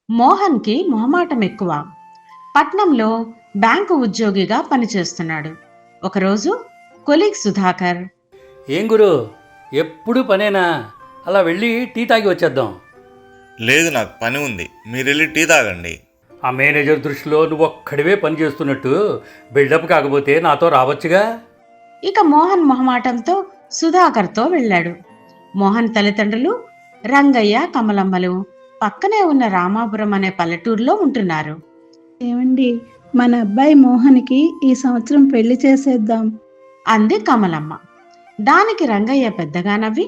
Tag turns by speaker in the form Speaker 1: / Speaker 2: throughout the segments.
Speaker 1: మోహన్కి మొహమాటం ఎక్కువ. పట్నంలో బ్యాంకు ఉద్యోగిగా పనిచేస్తున్నాడు. ఒకరోజు కొలీగ్ సుధాకర్,
Speaker 2: ఏం గురు, ఎప్పుడు పనేనా? అలా వెళ్ళి టీ తాగి వచ్చేద్దాం.
Speaker 3: లేదు, నాకు పని ఉంది. మీరు వెళ్ళి టీ తాగండి.
Speaker 2: ఆ మేనేజర్ దృష్టిలో నువ్వు ఒక్కడివే పని చేస్తున్నట్టు బిల్డప్ కాకపోతే నాతో రావచ్చుగా.
Speaker 1: ఇక మోహన్ మొహమాటంతో సుధాకర్తో వెళ్ళాడు. మోహన్ తల్లిదండ్రులు రంగయ్య, కమలమ్మలు పక్కనే ఉన్న రామాపురం అనే పల్లెటూరులో ఉంటున్నారు.
Speaker 4: ఏమండి, మన అబ్బాయి మోహన్కి ఈ సంవత్సరం పెళ్లి చేసేద్దాం
Speaker 1: అంది కమలమ్మ. దానికి రంగయ్య పెద్దగా నవ్వి,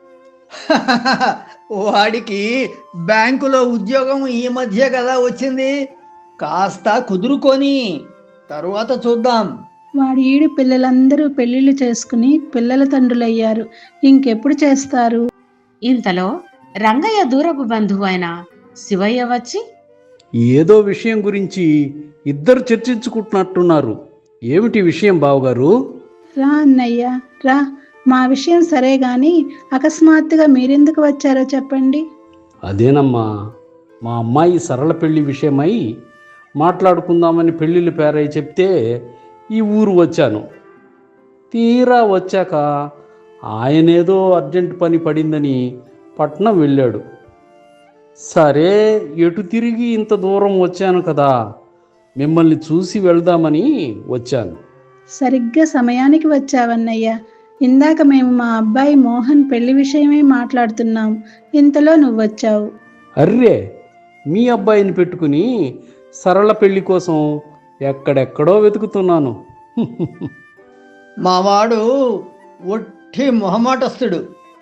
Speaker 5: వాడికి బ్యాంకులో ఉద్యోగం ఈ మధ్య కదా వచ్చింది, కాస్త కుదురుకొని తరువాత చూద్దాం.
Speaker 4: వాడి ఈడు పిల్లలందరూ పెళ్లిళ్ళు చేసుకుని పిల్లల తండ్రులయ్యారు, ఇంకెప్పుడు చేస్తారు?
Speaker 1: ఇంతలో రంగయ్య దూరపు బంధువు అయిన శివయ్య వచ్చి,
Speaker 6: ఏదో విషయం గురించి ఇద్దరు చర్చించుకుంటున్నట్టున్నారు. ఏమిటి విషయం బావగారు?
Speaker 4: రా అన్నయ్య రా, మా విషయం సరే గాని అకస్మాత్తుగా మీరెందుకు వచ్చారో చెప్పండి.
Speaker 6: అదేనమ్మా, మా అమ్మాయి సరళ పెళ్లి విషయమై మాట్లాడుకుందామని పెళ్ళిళ్ళు పేరై చెప్తే ఈ ఊరు వచ్చాను. తీరా వచ్చాక ఆయనేదో అర్జెంట్ పని పడిందని పట్నం వెళ్ళాడు. సరే, ఎటు తిరిగి ఇంత దూరం వచ్చాను కదా, మిమ్మల్ని చూసి వెళ్దామని వచ్చాను.
Speaker 4: సరిగ్గా సమయానికి వచ్చావన్నయ్య. ఇందాక మేము మా అబ్బాయి మోహన్ పెళ్లి విషయమే మాట్లాడుతున్నాం, ఇంతలో నువ్వొచ్చావు.
Speaker 6: అర్రే, మీ అబ్బాయిని పెట్టుకుని సరళ పెళ్లి కోసం ఎక్కడెక్కడో వెతుకుతున్నాను.
Speaker 5: మావాడు ఒట్టి మొహమాటస్తుడు.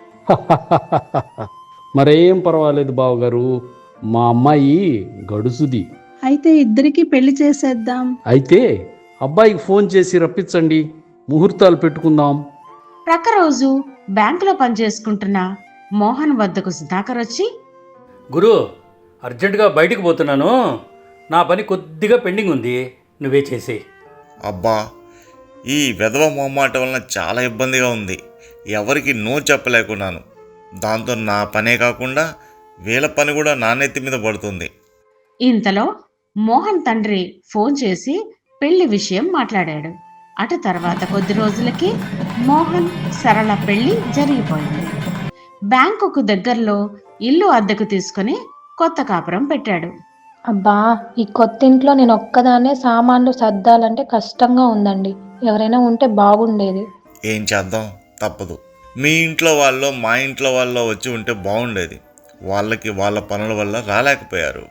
Speaker 6: మరేం పర్వాలేదు బావగారు, మా అమ్మాయి గడుసుది.
Speaker 4: అయితే ఇద్దరికి పెళ్లి చేసేద్దాం.
Speaker 6: అయితే అబ్బాయికి ఫోన్ చేసి రప్పించండి, ముహూర్తాలు పెట్టుకుందాం.
Speaker 1: ప్రక్కరోజు బ్యాంకులో పనిచేసుకుంటున్న మోహన్ వద్దకు సుధాకర్ వచ్చి,
Speaker 2: గురు, అర్జెంటుగా బయటికి పోతున్నాను. నా పని కొద్దిగా పెండింగ్ ఉంది, నువ్వే చేసేయి.
Speaker 3: అబ్బా, ఈ వెధవ మొహమాట వలన చాలా ఇబ్బందిగా ఉంది. ఎవరికి నో చెప్పలేకున్నాను. దాంతో నా పనే కాకుండా వీళ్ళ పని కూడా నా నెత్తి మీద పడుతుంది.
Speaker 1: ఇంతలో మోహన్ తండ్రి ఫోన్ చేసి పెళ్లి విషయం మాట్లాడాడు. అటు తర్వాత కొద్ది రోజులకి మోహన్ సరళ పెళ్లి జరిగిపోయింది. బ్యాంకుకు దగ్గరలో ఇల్లు అద్దెకు తీసుకుని కొత్త కాపురం పెట్టాడు.
Speaker 7: అబ్బా, ఈ కొత్త ఇంట్లో నేను ఒక్కదాన్నే సామాన్లు సర్దాలంటే కష్టంగా ఉందండి. ఎవరైనా ఉంటే బాగుండేది.
Speaker 3: ఏం చేద్దాం, తప్పదు. మీ ఇంట్లో వాళ్ళు మా ఇంట్లో వాళ్ళు వచ్చి ఉంటే బాగుండేది. వాళ్ళకి వాళ్ళ పనుల వల్ల రాలేకపోయారు.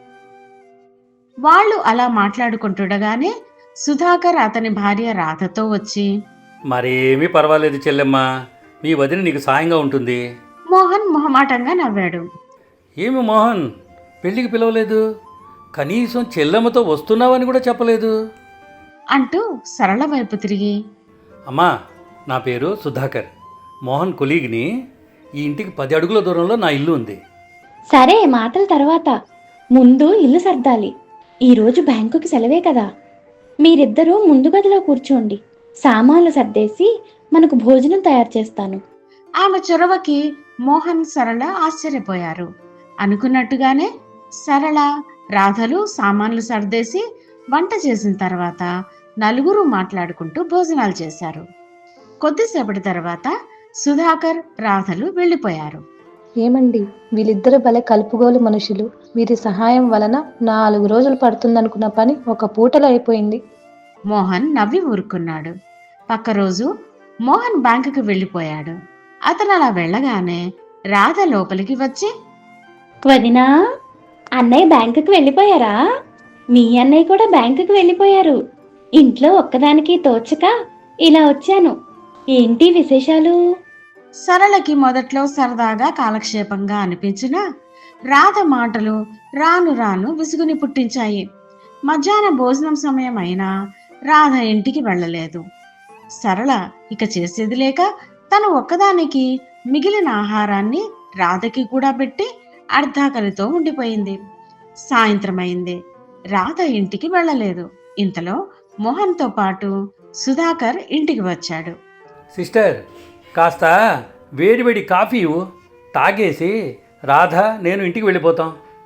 Speaker 1: వాళ్ళు అలా మాట్లాడుకుంటుండగానే సుధాకర్ అతని భార్య రాధతో వచ్చి,
Speaker 2: మరేమీ పర్వాలేదు చెల్లెమ్మ, మీ వదిన నీకు సాయంగా ఉంటుంది.
Speaker 1: మోహన్ మొహమాటంగా నవ్వాడు.
Speaker 2: ఏమి మోహన్, పెళ్ళికి పిలవలేదు, కనీసం చెల్లెమ్మతో వస్తున్నావని కూడా చెప్పలేదు
Speaker 1: అంటూ సరళ వైపు తిరిగి,
Speaker 2: అమ్మా, నా పేరు సుధాకర్, మోహన్ కొలీగ్ని. ఈ ఇంటికి 10 అడుగుల దూరంలో నా ఇల్లు ఉంది.
Speaker 7: సరే, మాటల తర్వాత ముందు ఇల్లు సర్దాలి. ఈరోజు బ్యాంకుకి సెలవే కదా. మీరిద్దరూ ముందు గదిలో కూర్చోండి. సామాన్లు సర్దేసి మనకు భోజనం తయారు చేస్తాను.
Speaker 1: ఆమె చొరవకి మోహన్, సరళ ఆశ్చర్యపోయారు. అనుకున్నట్టుగానే సరళ, రాధలు సామాన్లు సర్దేసి వంట చేసిన తర్వాత నలుగురు మాట్లాడుకుంటూ భోజనాలు చేశారు. కొద్దిసేపటి తర్వాత సుధాకర్, రాధలు వెళ్ళిపోయారు.
Speaker 7: ఏమండి, వీళ్ళిద్దరు భలే కలుపుగోలు మనుషులు. వీరి సహాయం వలన 4 రోజులు పడుతుందనుకున్న పని ఒక పూటలో అయిపోయింది.
Speaker 1: మోహన్ నవ్వి ఊరుకున్నాడు. పక్క రోజు మోహన్ బ్యాంకుకి వెళ్ళిపోయాడు. అతను అలా వెళ్ళగానే రాధ లోపలికి వచ్చి,
Speaker 7: వదినా, అన్నయ్య బ్యాంకుకి వెళ్ళిపోయారా? మీ అన్నయ్య కూడా బ్యాంకుకి వెళ్ళిపోయారు. ఇంట్లో ఒక్కదానికి తోచక ఇలా వచ్చాను. ఏంటి విశేషాలు?
Speaker 1: సరళకి మొదట్లో సరదాగా కాలక్షేపంగా అనిపించిన రాధ మాటలు రాను రాను విసుగుని పుట్టించాయి. మధ్యాహ్న భోజనం సమయం అయినా రాధ ఇంటికి వెళ్ళలేదు. సరళ ఇక చేసేది లేక తను ఒక్కదానికి మిగిలిన ఆహారాన్ని రాధకి కూడా పెట్టి అర్ధాకలితో ఉండిపోయింది. సాయంత్రం అయింది. రాధ ఇంటికి వెళ్ళలేదు. ఇంతలో మోహన్తో పాటు సుధాకర్ ఇంటికి వచ్చాడు.
Speaker 2: సిస్టర్, కాస్త వేడివేడి కాఫీ తాగేసి రాధ, నేను ఇంటికి వెళ్ళిపోతాం.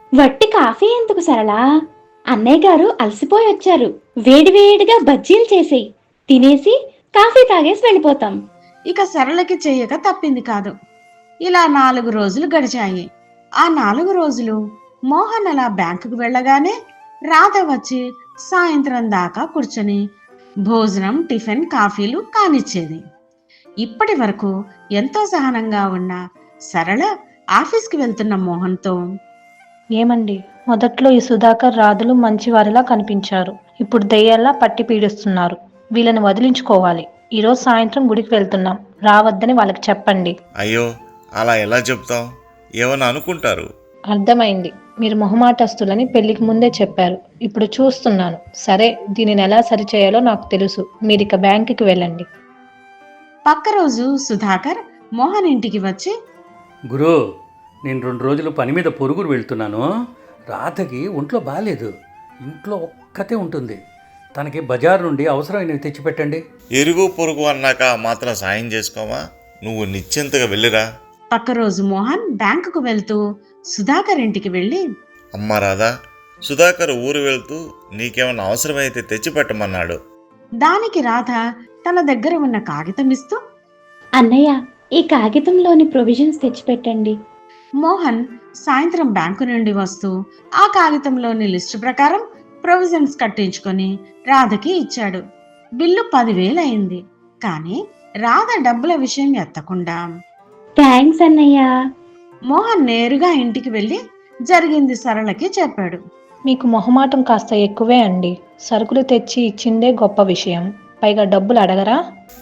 Speaker 7: వట్టి కాఫీ ఎందుకు సరళా? అన్నయ్య గారు అలసిపోయి వచ్చారు. వేడివేడిగా బజ్జీలు చేసేయి, తినేసి కాఫీ తాగేసి వెళ్ళిపోతాం.
Speaker 1: ఇక సరళకి చెయ్యక తప్పింది కాదు. ఇలా 4 రోజులు గడిచాయి. ఆ 4 రోజులు మోహన్ అలా బ్యాంకుకు వెళ్ళగానే రాధ వచ్చి సాయంత్రం దాకా కూర్చొని భోజనం, టిఫిన్, కాఫీలు కానిచ్చేది. ఇప్పటి వరకు ఎంతో సహనంగా ఉన్న సరళ ఆఫీస్కి వెళ్తున్న మోహన్తో,
Speaker 8: ఏమండి, మొదట్లో ఈ సుధాకర్ రాధులు మంచివారిలా కనిపించారు. ఇప్పుడు దెయ్యాల్లా పట్టి పీడిస్తున్నారు. వీళ్ళని వదిలించుకోవాలి. ఈరోజు సాయంత్రం గుడికి వెళ్తున్నాం, రావద్దని వాళ్ళకి చెప్పండి.
Speaker 3: అయ్యో, అలా ఎలా చెప్తాం? ఏమన్నా అనుకుంటారు.
Speaker 8: అర్థమైంది. మీరు మొహమాటస్తులని పెళ్లికి ముందే చెప్పారు. ఇప్పుడు చూస్తున్నాను. సరే, దీనిని ఎలా సరిచేయాలో నాకు తెలుసు. మీరిక బ్యాంకుకి వెళ్ళండి.
Speaker 1: పక్క రోజు సుధాకర్ మోహన్ ఇంటికి వచ్చి,
Speaker 2: గురు, నేను 2 రోజులు పని మీద పొరుగురు వెళ్తున్నాను. రాధకి ఒంట్లో బాగాలేదు. ఇంట్లో ఒక్కతే ఉంటుంది. తనకి బజార్ నుండి అవసరమైనవి తెచ్చిపెట్టండి.
Speaker 3: ఇరుగు పొరుగు అన్నాక మాత్రం సాయం చేసుకోమా? నువ్వు నిశ్చింతగా వెళ్ళిరా.
Speaker 1: పక్క రోజు మోహన్ బ్యాంకుకు వెళ్తూ సుధాకర్ ఇంటికి వెళ్ళి,
Speaker 3: అమ్మ రాధా, సుధాకర్ ఊరు వెళ్తూ నీకేమన్నా అవసరమైతే తెచ్చిపెట్టమన్నాడు.
Speaker 1: దానికి రాధ తన దగ్గర ఉన్న కాగితం ఇస్తూ,
Speaker 7: అన్నయ్య, ఈ కాగితంలోని ప్రొవిజన్స్ తెచ్చిపెట్టండి.
Speaker 1: మోహన్ సాయంత్రం బ్యాంకు నుండి వస్తూ ఆ కాగితంలోని లిస్టు ప్రకారం ప్రొవిజన్స్ కట్టించుకొని రాధకి ఇచ్చాడు. బిల్లు 10,000 అయింది. కానీ రాధ డబ్బుల విషయం ఎత్తకుండా
Speaker 7: థ్యాంక్స్ అన్నయ్య.
Speaker 1: మోహన్ నేరుగా ఇంటికి వెళ్ళి జరిగింది సరళకి చెప్పాడు.
Speaker 8: మీకు మొహమాటం కాస్త ఎక్కువే అండి. సరుకులు తెచ్చి ఇచ్చిందే గొప్ప విషయం, పైగా డబ్బులు అడగరా?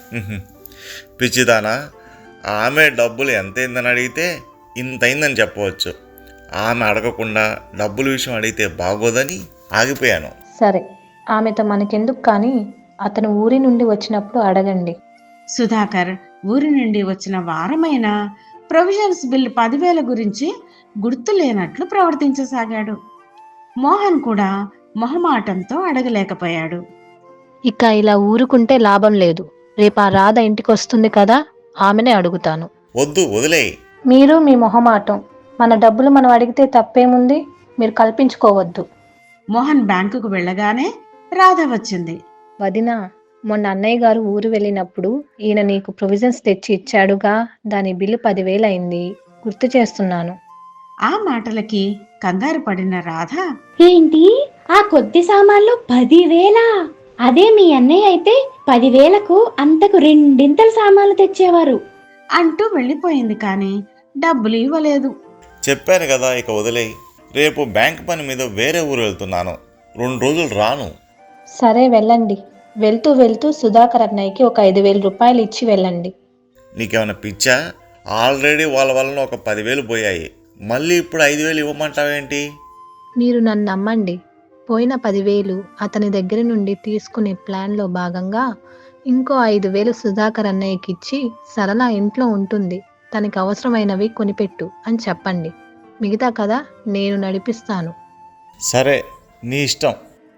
Speaker 3: పిచ్చిదానా, ఆమె డబ్బులు ఎంతైందని అడిగితే ఇంతైందని చెప్పవచ్చు. ఆమె అడగకుండా డబ్బుల విషయం అడిగితే బాగోదని ఆగిపోయాను.
Speaker 8: సరే, ఆమెతో మనకెందుకు, కానీ అతను ఊరి నుండి వచ్చినప్పుడు అడగండి.
Speaker 1: సుధాకర్ ఊరి నుండి వచ్చిన వారమైన ప్రొవిజన్స్ బిల్లు 10,000 గురించి గుర్తు లేనట్లు ప్రవర్తించసాగాడు. మోహన్ కూడా మొహమాటంతో అడగలేకపోయాడు.
Speaker 8: ఇక ఇలా ఊరుకుంటే లాభం లేదు. రేపు ఆ రాధ ఇంటికి వస్తుంది కదా, ఆమెనే అడుగుతాను.
Speaker 3: వద్దు, వదిలేయి.
Speaker 8: మీరు మీ మొహమాటం. మన డబ్బులు మనం అడిగితే తప్పేముంది? మీరు కల్పించుకోవద్దు.
Speaker 1: మోహన్ బ్యాంకుకు వెళ్ళగానే రాధ వచ్చింది.
Speaker 8: వదినా, మొన్న అన్నయ్య గారు ఊరు వెళ్ళినప్పుడు ఈయన నీకు ప్రొవిజన్స్ తెచ్చి ఇచ్చాడుగా, దాని బిల్లు 10,000 అయింది. గుర్తు చేస్తున్నాను.
Speaker 1: ఆ మాటలకి కంగారు పడిన రాధ,
Speaker 7: ఏంటి, ఆ కొద్ది సామాన్లు 10,000? అదే మీ అన్నయ్య అయితే 10,000కు అంతకు 2 సామాన్లు తెచ్చేవారు
Speaker 1: అంటూ వెళ్ళిపోయింది. కానీ డబ్బులు ఇవ్వలేదు.
Speaker 3: చెప్పాను కదా, ఇక వదిలేయి. రేపు బ్యాంక్ పని మీద వేరే ఊరు వెళ్తున్నాను. 2 రోజులు రాను.
Speaker 8: సరే, వెళ్ళండి. వెళ్తూ వెళ్తూ సుధాకర్ అన్నయ్యకి ఒక 5,000 రూపాయలు ఇచ్చి వెళ్ళండి.
Speaker 3: నీకేమైనా పిచ్చా? ఆల్రెడీ వాళ్ళ వలన ఒక 10,000 పోయాయి. మళ్ళీ ఇప్పుడు 5,000 ఇవ్వమంటావేంటి?
Speaker 8: మీరు నన్ను నమ్మండి. పోయిన 10,000 అతని దగ్గర నుండి తీసుకునే ప్లాన్లో భాగంగా ఇంకో 5,000 సుధాకర్ అన్నయ్యకి ఇచ్చి, సరళ ఇంట్లో ఉంటుంది, తనకి అవసరమైనవి కొనిపెట్టు అని చెప్పండి. మిగతా కదా నేను నడిపిస్తాను.
Speaker 3: సరే, నీ ఇష్టం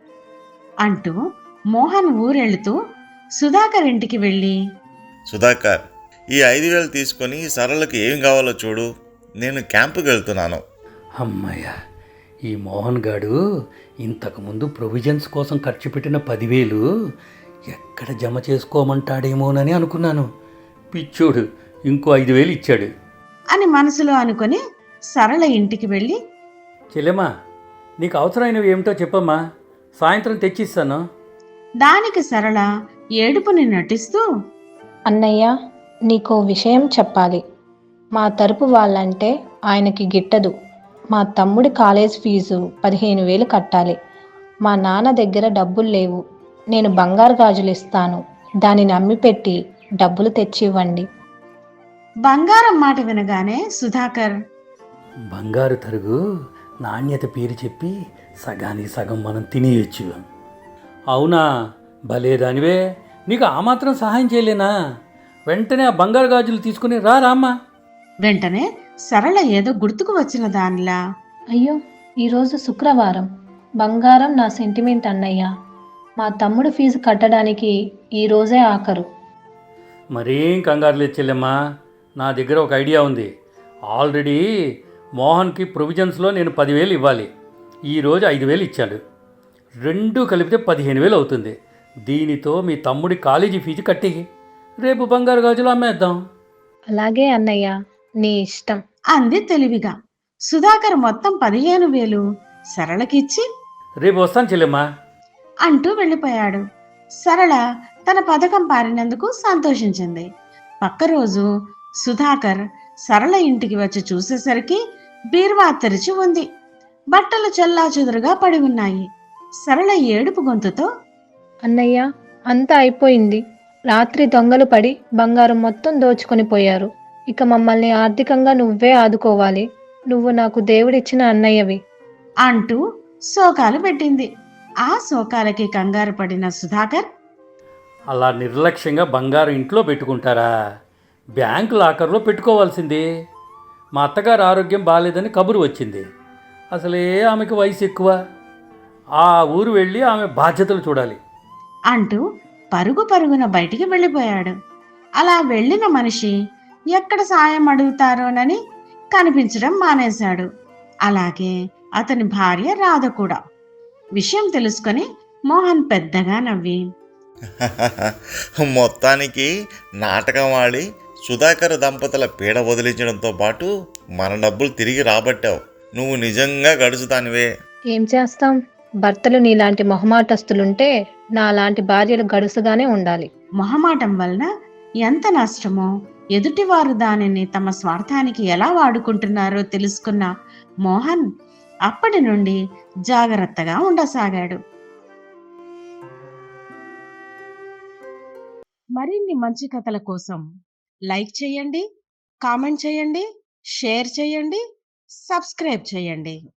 Speaker 1: అంటూ మోహన్ ఊరెళ్తూ సుధాకర్ ఇంటికి వెళ్ళి,
Speaker 3: సుధాకర్, ఈ 5,000 తీసుకొని సరళకి ఏం కావాలో చూడు. నేను క్యాంపుకి వెళ్తున్నాను.
Speaker 2: అమ్మయ్య, ఈ మోహన్ గాడు ఇంతకుముందు ప్రొవిజన్స్ కోసం ఖర్చు పెట్టిన 10,000 ఎక్కడ జమ చేసుకోమంటాడేమోనని అనుకున్నాను. పిచ్చోడు ఇంకో 5,000 ఇచ్చాడు
Speaker 1: అని మనసులో అనుకొని సరళ ఇంటికి వెళ్ళి,
Speaker 2: చెల్లెమ్మా, నీకు అవసరమైనవి ఏమిటో చెప్పమ్మా, సాయంత్రం తెచ్చిస్తాను.
Speaker 1: దానికి సరళ ఏడుపుని నటిస్తూ,
Speaker 8: అన్నయ్య, నీకో విషయం చెప్పాలి. మా తరపు వాళ్ళంటే ఆయనకి గిట్టదు. మా తమ్ముడి కాలేజ్ ఫీజు 15,000 కట్టాలి. మా నాన్న దగ్గర డబ్బులు లేవు. నేను బంగారు గాజులు ఇస్తాను, దానిని అమ్మిపెట్టి డబ్బులు తెచ్చివ్వండి.
Speaker 1: బంగారం మాట వినగానే సుధాకర్,
Speaker 2: బంగారు తరుగు నాణ్యత పేరు చెప్పి సగానికి సగం మనం తినేయచ్చు. అవునా, భలేదానివే, నీకు ఆ మాత్రం సహాయం చేయలేనా? వెంటనే ఆ బంగారు గాజులు తీసుకుని రామ్మా.
Speaker 1: వెంటనే సరళ ఏదో గుర్తుకు వచ్చిన దానిలా,
Speaker 8: అయ్యో, ఈరోజు శుక్రవారం. బంగారం నా సెంటిమెంట్ అన్నయ్య. మా తమ్ముడు ఫీజు కట్టడానికి ఈరోజే ఆఖరు.
Speaker 2: మరేం కంగారు లేదు చెల్లెమ్మా, నా దగ్గర ఒక ఐడియా ఉంది. ఆల్రెడీ మోహన్కి ప్రొవిజన్స్లో నేను 10,000 ఇవ్వాలి. ఈరోజు 5,000 ఇచ్చాడు. రెండూ కలిపితే 15,000 అవుతుంది. దీనితో మీ తమ్ముడి కాలేజీ ఫీజు కట్టి రేపు బంగారు గాజులు అమ్మేద్దాం.
Speaker 8: అలాగే అన్నయ్య, నీ ఇష్టం.
Speaker 1: అంది తెలివిగా. సుధాకర్ మొత్తం 15,000 సరళకిచ్చి
Speaker 2: రేపు వస్తాను చెల్లెమ్మా.
Speaker 1: అంటూ వెళ్ళిపోయాడు. సరళ తన పథకం పారినందుకు సంతోషించింది. పక్క రోజు సుధాకర్ సరళ ఇంటికి వచ్చి చూసేసరికి బీరువా తెరిచి ఉంది. బట్టలు చెల్లాచెదురుగా పడి ఉన్నాయి. సరళ ఏడుపు గొంతుతో,
Speaker 8: అన్నయ్య, అంతా అయిపోయింది. రాత్రి దొంగలు పడి బంగారం మొత్తం దోచుకొని పోయారు. ఇక మమ్మల్ని ఆర్థికంగా నువ్వే ఆదుకోవాలి. నువ్వు నాకు దేవుడిచ్చిన అన్నయ్యవి
Speaker 1: అంటూ శోకాలు పెట్టింది. ఆ శోకాలకి కంగారు పడిన సుధాకర్,
Speaker 2: అలా నిర్లక్ష్యంగా బంగారం ఇంట్లో పెట్టుకుంటారా? బ్యాంకు లాకర్లో పెట్టుకోవాల్సింది. మా అత్తగారు ఆరోగ్యం బాగాలేదని కబురు వచ్చింది. అసలే ఆమెకు వయసు ఎక్కువ. ఆ ఊరు వెళ్ళి ఆమె బాధ్యతలు చూడాలి
Speaker 1: అంటూ పరుగు పరుగున బయటికి వెళ్ళిపోయాడు. అలా వెళ్ళిన మనిషి ఎక్కడ సాయం అడుగుతారోనని కనిపించడం మానేశాడు. అలాగే అతని భార్య రాధ కూడా. విషయం తెలుసుకొని మోహన్ పెద్దగా నవ్వి,
Speaker 3: మొత్తానికి నాటకం ఆడి సుధాకర్ దంపతుల పీడ వదిలించడంతో పాటు మన డబ్బులు తిరిగి రాబట్టావు. నువ్వు నిజంగా గడుచుతానివే.
Speaker 8: ఏం చేస్తాం? భర్తలు నీలాంటి మొహమాటస్తులుంటే నాలాంటి భార్యలు గడుసుగానే ఉండాలి.
Speaker 1: మొహమాటం వలన ఎంత నష్టమో, ఎదుటివారు దానిని తమ స్వార్థానికి ఎలా వాడుకుంటున్నారో తెలుసుకున్న మోహన్ అప్పటి నుండి జాగ్రత్తగా ఉండసాగాడు. మరిన్ని మంచి కథల కోసం లైక్ చేయండి, కామెంట్ చేయండి, షేర్ చేయండి, సబ్స్క్రైబ్ చేయండి.